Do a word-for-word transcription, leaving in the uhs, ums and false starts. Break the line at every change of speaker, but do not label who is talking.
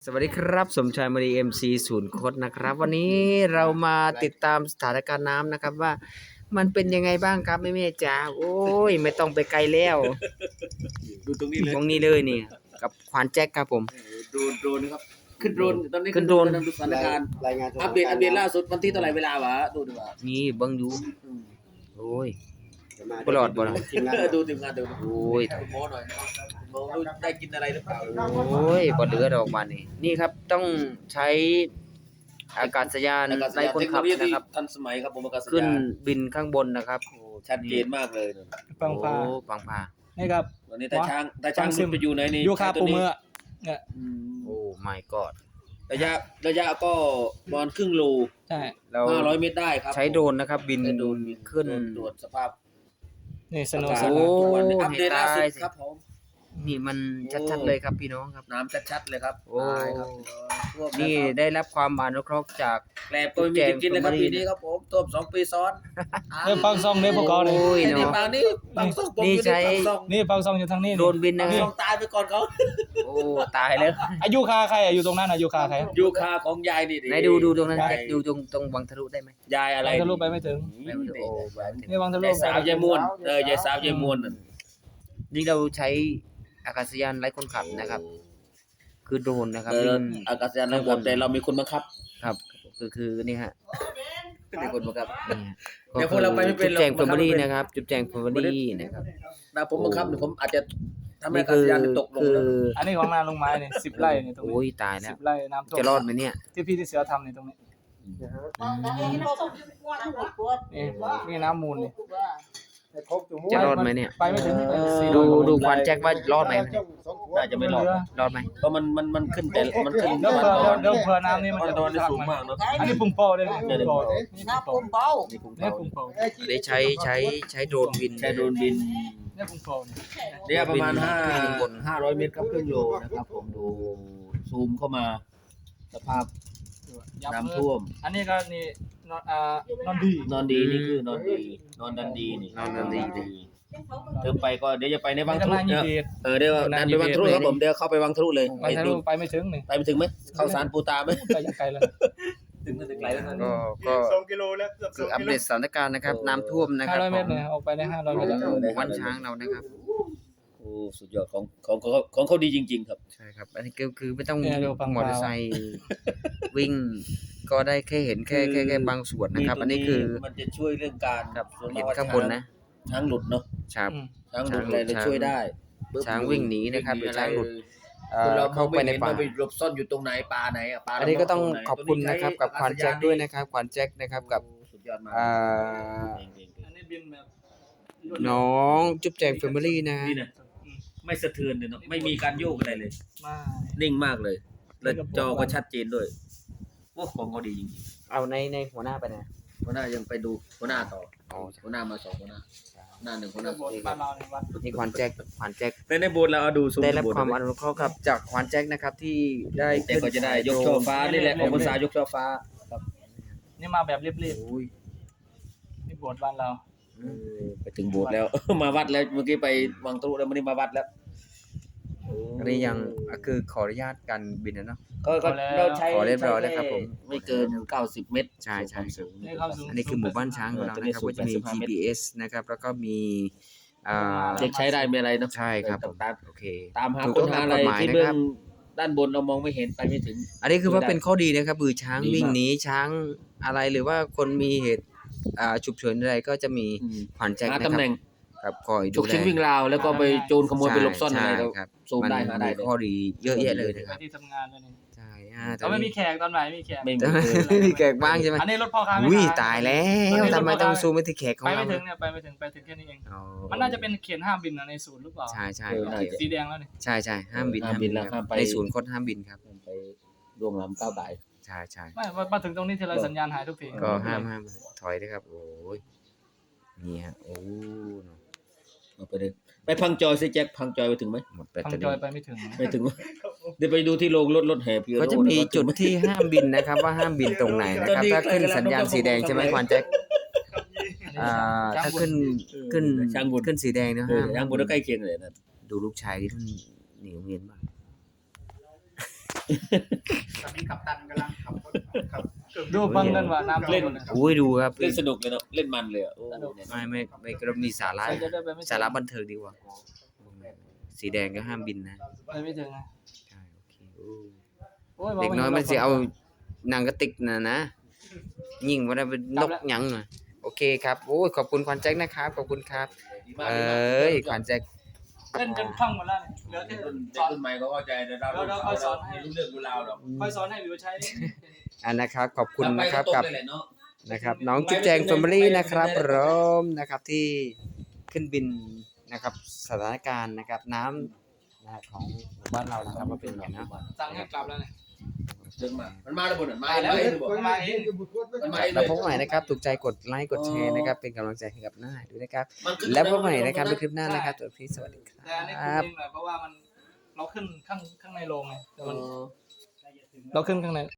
สวัสดีครับสมชายมรีเอ็มซีศูนย์คดนะครับวันนี้เรามาติดตามสถานการณ์น้ำนะครับว่ามันเป็นยังไงบ้างครับแม่แม่จ๋าโอ้ยไม่ต้องไปไกลแล้ว
ดูตรงนี้เลย
ตรงนี้เลยนี่กับควานแจ็คครับผม
โดรนโดรนนะครับขึ้นโดรนตอนนี้
ขึ้นโดรน
ดูสถานการณ์
รายงาน
อัปเดตอัปเดตล่าสุดวันที่เท่าไหร่เวลาวะดูดีกว่า
นี่เบิ้งอยู่โอ้ยปลอดบ่ล่ะ
ดูทีมงานดู
โอ้ย
โม้หน่อยโม้ดูได้กินอะไรหรือเปล่า
โอ้ยบ่เหลือดอกบานนี่นี่ครับต้องใช้อากาศยานไร้คนขับนะครับ
ทันสมัยครับผมอากาศยาน
ขึ้นบินข้างบนนะครับ
โอ้ชัดเจนมากเลย
ปังพา
โอ้ปังพา
นี่ครับ
วันนี้ตาช้างตาช้างไปอยู่ในนี้
ยูคาปูเมื่อเนี่ย
โอ้ my god
ระยะระยะก็ประมาณครึ่งโล
ใช่
เรา
ห้าร้อยเมตรได้ครับ
ใช้โดรนนะครับบินขึ้น
ตรวจสภาพ
นี่สนุก
สนานทุกวัน
อัปเดตล่าสุดครับผม
นี่มันชัดๆเลยครับพี่น้องครับ
น้ำชัดๆเลยครับ
โอ้นี่ได้รับความอนุเคราะห์จาก
แกลบก็มีกินเลยครับปีนี้ครับผมท่วมสองปีซ้อน
เรื่องปังซองเนี่ยพวกเขาเนี่ย
นี่ปังนี่ปังซอง
นี่ใช้
นี่ปังซองอยู่ทางนี้
โดนบินนะ
ซองตายไปก่อนเขา
โอ้ตายแล้ว
อายุคาใครอยู่ตรงนั้นอายุคาใคร
ยูคาของยายนี่
ไหนดูดูตรงนั้นดูตรงตรงวังทะลุได้ไหม
ยายอะไร
วังทะลุไปไม่ถึงนี่วังทะลุ
ยายสาวยายมวนเออยายสาวยายมวน
นี่เราใช้อากาศยานไร้คนขับนะครับคือโดรนนะครับ
อากาศยานไร้คนขับแต่เรามีคนบังคับ
ครับคือคือนี่ฮะ
มีคนบังคับ
เดี๋ยวพวกเราไปไม่เป็นจุดแจงแฟมิลี่นะครับจุดแจงแฟมิลี่นะครับ
นะผมบังคับผมอาจจะทำให้อากาศยานตกลง
อันนี้ของนาลงไม้เนี่ยสิบไร่เนี่ยตรงนี้
โอ้ยตายแล้ว
สิบไร่น้ำท่วม
จะรอดไหมเนี่ย
ที่พี่ที่เสือทำเนี่ยตรงนี้นี่น้ำมูลนี่
จะรอดไหมเนี่ย
ไปไม่ถึง
ดูดูควันแจ็คว่ารอดไหม
น่าจะไม่รอด
รอดไหม
เพราะมันมันมันขึ้นแต่มันขึ้น
เดี๋ยวเผื่อเดี๋ยวเผื่อน้ำนี่มันจะ
โดนสูงมากเนาะ
อันนี้ปุ่มโป้ได้เลยปุ่มโป้
นี่นะปุ่มเป้า
นี่ปุ่มโป้
ได้ใช้ใช้ใช้โดรนบิน
ใช้โดรนบิน
นี่ปุ่มโป้
เนี่ยประมาณห้าห้าร้อยเมตรครับครึ่งโลนะครับผมดูซูมเข้ามาสภาพน้ำท่วม
อันนี้ก็นี่นอนอ่านอนดี
นอนดีนี่คือนอนดีนอนดันดีนี่
นอนดันดี
เติมไปก็เดี๋ยวจะไปในวังทะลุเนี่ยเออเดี๋ยวดันไปวังทะลุครับผมเดี๋ยวเข้าไปวังทะลุเลย
ไปทะลุไปไม่ถึงนี่
ไปไม่ถึงไหมเข้าสารปูตาไหม
ไปยังไกลเลย
ถึงถึงไกลแล้ว
ก็ก็
สองกิโลแล้วเกือบ
คืออัปเดตสถานการณ์นะครับน้ำท่วมนะครั
บห้าร้อยเมตรเนี่ยออกไปได้ห้าร้อยเมตร
วันช้างเรานะครับ
โอ้สุดยอดของของของเขาดีจริงๆครับ
ใช่ครับอันนี้ก็คือไม่ต้องมอเตอร์ไซค์วิ่งก็ได้แค่เห็นแค่แค่แค่บางส่วนนะครับอันนี้คือ
มันจะช่วยเรื่องการ
เห็นข้างบนนะ
ช้างหลุดเนาะ
ครับ
ช้างหลุดอะไรจะช่วยได้
ช้างวิ่งหนีนะครับหรือช้างหลุดเข้าไปในป่า
ไปหลบซ่อนอยู่ตรงไหนป่าไหนอ่ะป่า
อันนี้ก็ต้องขอบคุณนะครับกับควานแจ็คด้วยนะครับควานแจ็คนะครับกับ
สุดยอดมาก
อันนี้บินแบบ
น้องจุ๊บแจงแฟมิลี่นะ
ไม่สะเทือนเลยเนาะไม่มีการโยกอะไรเลยนิ่งมากเลยแล้วจอก็ชัดเจนด้วยโอ้ของเขาดีจริง
ๆเอาในในหัวหน้าไปนะ
หัวหน้ายังไปดูหัวหน้าต่อหัวหน้ามาสองหัวหน้าหน้าหนึ่งหัวหน้าสอง
นี่ควานแจ็คควานแจ็ค
ในในโบสถ์เราเอาดู
ได้รับความอนุเคราะห์ครับจากควานแจ็คนะครับที่ได้
แต่ก็จะได้ยกช่อฟ้านี่แหละของภาษายกช่อฟ้าครับ
นี่มาแบบเรียบๆนี่โบสถ์บ้านเรา
ไปถึงโบสถ์แล้วมาวัดแล้วเมื่อกี้ไปวังทะลุแล้ววันนี้มาวัดแล้ว
อันนี้ยังคือขออนุญาตการบินนะเนาะ
ก็เราใช้
ขอเรียบร้อยแล้วครับผม
ไม่เกินเก้าสิบเมตร
ใช่ใช่อันนี้คือหมู่บ้านช้างของเรานะครับก็จะมี จี พี เอส นะครับแล้วก็มี
อ่าเด็กใช้ได้ไม่อะไรเนาะ
ใช่ครับผมโอเค
ตามหาคนหาอะไรที่เบื้องด้านบนเรามองไม่เห็นไปไม่ถึง
อันนี้คือว่าเป็นข้อดีนะครับคือช้างวิ่งหนีช้างอะไรหรือว่าคนมีเหตุอ่าฉุกเฉินอะไรก็จะมีขวัญแจ็คนะครับครับคอยดู
แลฉุกเฉินวิ่งราวแล้วก็ไปโจรขโมยไปหลบซ่อนอะไร
ครับ
ซูมได้หาได้
ข้อดีเยอะแยะเลยนะครับ
ที่ทำงานเลยนี่
ใช่
เขาไม่มีแขกตอนไหนมีแขก
ไม่มีแขกบ้างใช่ไหม
อันนี้รถพ่อค้าไม่
อุ้ยตายแล้วทำไมต้องซูมไปที่แขกของ
เราไปไม่ถึงเนี่ยไปไม่ถึงไปถึงแค่นี้เองมันน่าจะเป็นเขียนห้ามบินในศูนย์หรือเปล่า
ใช่ใช่
สีแดงแล้วนี่
ใช่ใช่ห้ามบินห้ามบินแล้วในศูนย์คดห้ามบินครับ
ไปร่วงล้ำก้าวไก่
ใช่ใช่
ไม่มาถึงตรงนี้ทีไรสัญญาณหายทุกที
ก็ห้ามห้ามถอยด้วยครับโอ้ยนี่ฮะโอ้
ไปเลยไปพังจอยสิแจ็คพังจอยไปถึงไหม
หมด
ไปพังจอยไปไม่ถึง
ไม่ถึงเดี๋ยวไปดูที่โรงรถรถแห่พี่
ก็จะมีจุดที่ห้ามบินนะครับว่าห้ามบินตรงไหนนะครับถ้าขึ้นสัญญาณสีแดงใช่ไหมควานแจ็คอ่าถ้าขึ้นขึ้นขึ้นสีแดงนะห้าม
ช้างบุญใกล้เคียงเลยนะ
ดูลูกชายที่ท่านหนีโรงเรียนบ้าง
ตอนนี้กัปตันกำลังขับรถขับเครื่องบิน
ดูฟังกันว่าน้ำ
เล่น
นะครับ
โอ้ยดูครับ
เล่นสนุกเลยเนาะเล่นมันเลยอ่ะโอ้
สนุก
เนี่ย
ไม่ไม่ไม่กรณีสาระ
ใครจะได้ไปไม่ถึง
สาระบันเทิงดีกว่า สีแดงก็ห้ามบินนะ
ไปไม่ถึงนะ
ใช่โอเคโอ้
โอ้ย
เด็กน้อยมันสิเอาหนังกระติกน่ะนะยิ่งว่าได้เป็นนกหยังน่ะโอเคครับโอ้ยขอบคุณขวัญแจ็คนะครับขอบคุณครับ
ดีมาก
เอ
ดีมาก้
ยขวัญแจ็ค
เล่นจนคล่องหมดแล้วเนี่ยเหลือแค่
รุ่น
สอน
รุ่นใหม่เขาเข้าใจแต่เรา
เราเราค่อยสอนให้
รู้เรื่องรู้ราวหรอก
ค่อยสอนให้วิวใช้
อันนะครับขอบคุณ
ทำไป
นะครับ
ตรง
กับ
เลยแหละเนาะ
นะครับน้องจุ๊บแจงแฟมิลี่นะครับพร้อมนะครับที่ขึ้นบินนะครับสถานการณ์นะครับน้ำนะครับของหมู่บ้านเรานะครับว่าเป็นยังไงเนาะ
สั่งให้กลับแล้วเนี่ย
เดินมามันมาแล้วบนอ่ะมา
มาแล้ว
เองบอก
มาเอง
มันมาเองเล
แล้ว
ย
พบกันใหม่นะครับถูกใจกดไลค์กดแชร์นะครับเป็นกำลังใจให้กับหน้าด้วยนะครับ
มันขึ้น
แล้วพบกันใหม่นะครับในคลิปหน้านะครับตัวพี่สวัสดีค
แต่อันนี้
รั
คุณ
บ
เองหน่อยเพราะว่ามันเราขึ้นข้างข้างในโรงไงแต่
เอ
มัน
อ
เราขึ้นข้างใน